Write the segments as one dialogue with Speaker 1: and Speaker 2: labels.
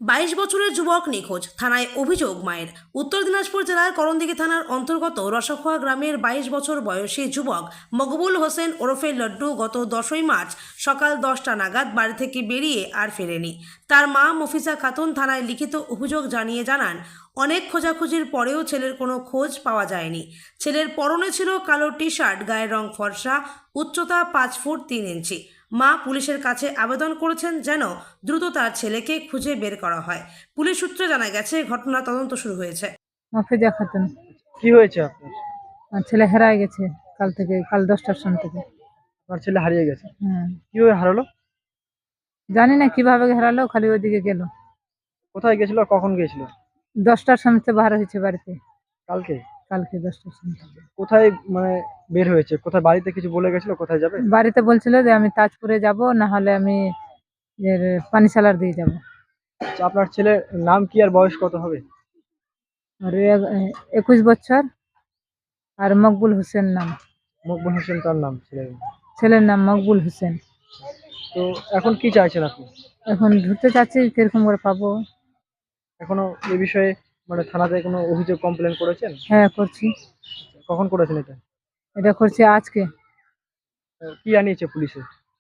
Speaker 1: 22 বছরের যুবক নিখোঁজ, থানায় অভিযোগ মায়ের। উত্তর দিনাজপুর জেলার করণদিঘি থানার অন্তর্গত রসাখোয়া গ্রামের 22 বছর বয়সী যুবক মকবুল হোসেন ওরফে লড্ডু গত 10ই মার্চ সকাল 10টা নাগাদ বাড়ি থেকে বেরিয়ে আর ফেরেনি। তার মা মফিজা খাতুন থানায় লিখিত অভিযোগ জানিয়ে জানান, অনেক খোঁজাখুঁজির পরেও ছেলের কোনো খোঁজ পাওয়া যায়নি। ছেলের পরনে ছিল কালো টি শার্ট, গায়ের রং ফর্সা, উচ্চতা 5 ফুট 3 ইঞ্চি। মা পুলিশের কাছে আবেদন করেছেন যেন দ্রুত তার ছেলেকে খুঁজে বের করা হয়। পুলিশ সূত্রে জানা গেছে, ঘটনা তদন্ত শুরু হয়েছে।
Speaker 2: মফিজা খাতুন।
Speaker 3: কি হয়েছে আপনার?
Speaker 2: আমার ছেলে হারায় গেছে কাল 10টার সময় থেকে।
Speaker 3: আপনার ছেলে হারিয়ে গেছে?
Speaker 2: হ্যাঁ,
Speaker 3: কিভাবে হারালো?
Speaker 2: জানি না কিভাবে হারালো, খালি ওইদিকে গেল।
Speaker 3: কোথায় গেছিল আর কখন গেছিল?
Speaker 2: 10টার সময় থেকে বার হয়েছে বাড়িতে,
Speaker 3: কালকে?
Speaker 2: কালকে 10টার সময় থেকে।
Speaker 3: কোথায় মানে বের হয়েছে? কোথায়, বাড়িতে কিছু বলে গেছিল কোথায় যাবে?
Speaker 2: বাড়িতে বলছিল যে আমি তাজপুরে যাব, না হলে আমি পানিশালার দিয়ে যাব।
Speaker 3: আচ্ছা, আপনার ছেলের নাম কি আর বয়স কত হবে?
Speaker 2: আর 21 বছর, আর মকবুল হোসেন নাম।
Speaker 3: মকবুল হোসেন তার নাম ছেলের।
Speaker 2: ছেলের নাম মকবুল হোসেন।
Speaker 3: তো এখন কি চাইছেন আপনি?
Speaker 2: এখন ধরতে চাচ্ছি, কিরকম করে পাবো।
Speaker 3: এখনো এ বিষয়ে মানে থানাতে কোনো অভিযোগ কমপ্লেন করেছেন?
Speaker 2: হ্যাঁ, করছি।
Speaker 3: কখন করেছেন এটা?
Speaker 2: এটা করছি আজকে।
Speaker 3: কি আনিয়েছে পুলিশে?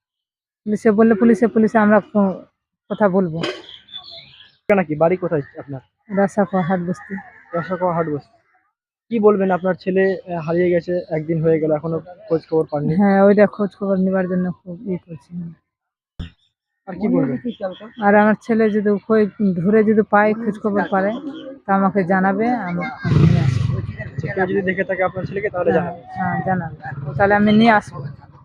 Speaker 2: পুলিশে আমরা কথা বলবো।
Speaker 3: নাকি বাড়ি কোথায় আপনার?
Speaker 2: রাসাখোয়া হাট বস্তি।
Speaker 3: রসাখোয়া হাট বস্তি। কি বলবেন, আপনার ছেলে হারিয়ে গেছে, একদিন হয়ে গেল, এখনো খোঁজ খবর পাননি?
Speaker 2: হ্যাঁ, ওইটা খোঁজ খবর নেবার জন্য খুব করছি।
Speaker 3: আর কি বলবেন?
Speaker 2: আর আমার ছেলে যদি ধরে যদি পায়, খোঁজ খবর পারে, তা আমাকে জানাবে, আমি নিয়ে আসবো।
Speaker 3: কেউ যদি দেখে থাকে আপনার ছেলেকে তাহলে জানাবেন।
Speaker 2: হ্যাঁ, জানাবে, তাহলে আমি নিয়ে আসবো।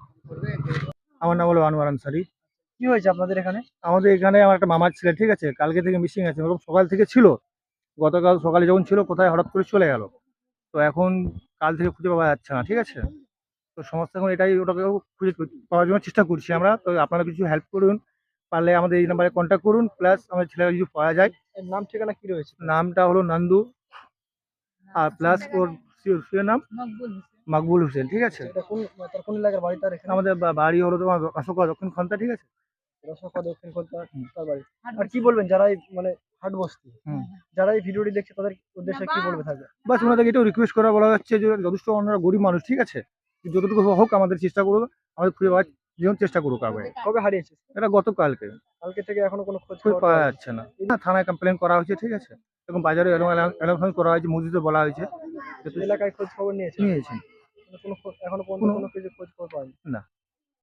Speaker 4: আমার নাম হলো আনোয়ার আনসারি।
Speaker 3: কি হয়েছে আপনাদের এখানে?
Speaker 4: আমাদের এখানে আমার একটা মামার ছেলে, ঠিক আছে, কালকে থেকে মিসিং আছে। এরকম সকাল থেকে ছিল, গতকাল সকালে যখন ছিল কোথায় হঠাৎ করে চলে গেল। তো এখন কাল থেকে খুঁজে পাওয়া যাচ্ছে না, ঠিক আছে। তো সমস্যা এখন এটাই, ওটাকে খুঁজে পাওয়ার জন্য চেষ্টা করছি আমরা। তো আপনারা কিছু হেল্প করুন, পারলে আমাদের এই নাম্বারে কন্ট্যাক্ট করুন, প্লাস আমাদের ছেলেরা যদি পাওয়া যায়।
Speaker 3: এর নাম ঠিকানা কি রয়েছে?
Speaker 4: নামটা হলো নন্দু, আর প্লাস ওর সিওর নাম মকবুল হোসেন, ঠিক আছে।
Speaker 3: এটা তার কোন এলাকার বাড়ি তার এখানে?
Speaker 4: আমাদের বাড়ি হলো তোমার অশোকা দক্ষিণ খন্তা, ঠিক আছে।
Speaker 3: রসাখোয়া দক্ষিণ কলকাতা তার বাড়ি। আর কি বলবেন যারা এই মানে হাট বস্তি,
Speaker 4: হুম।
Speaker 3: যারা এই ভিডিওটি দেখছে তাদের উদ্দেশ্যে কি বলবে থাকবে?
Speaker 4: বাস ওনাদেরকে এটাও রিকোয়েস্ট করা বলা যাচ্ছে যে যথেষ্ট ওনারা গরিব মানুষ, ঠিক আছে, যতটুকু হোক আমাদের চেষ্টা করবো, আমাদের খুঁজে পাওয়ার যেমন চেষ্টা করুক আগে।
Speaker 3: কবে হারিয়েছে?
Speaker 4: এটা গতকালকে।
Speaker 3: কালকে থেকে এখনো কোনো খোঁজ
Speaker 4: খুঁজে
Speaker 3: খবর
Speaker 4: পাওয়া
Speaker 3: পাওয়া
Speaker 4: যাচ্ছে না। থানায় কমপ্লেন করা হয়েছে, ঠিক আছে, এবং বাজারে অ্যালাউন্স করা হয়েছে, মসজিদে বলা হয়েছে।
Speaker 3: যায়নি? এলাকায় খোঁজ খবর নিয়েছে?
Speaker 4: নিয়েছেন
Speaker 3: এখনো পর্যন্ত কোনো কিছু খোঁজ খবর পাওয়া যায়নি।
Speaker 4: না।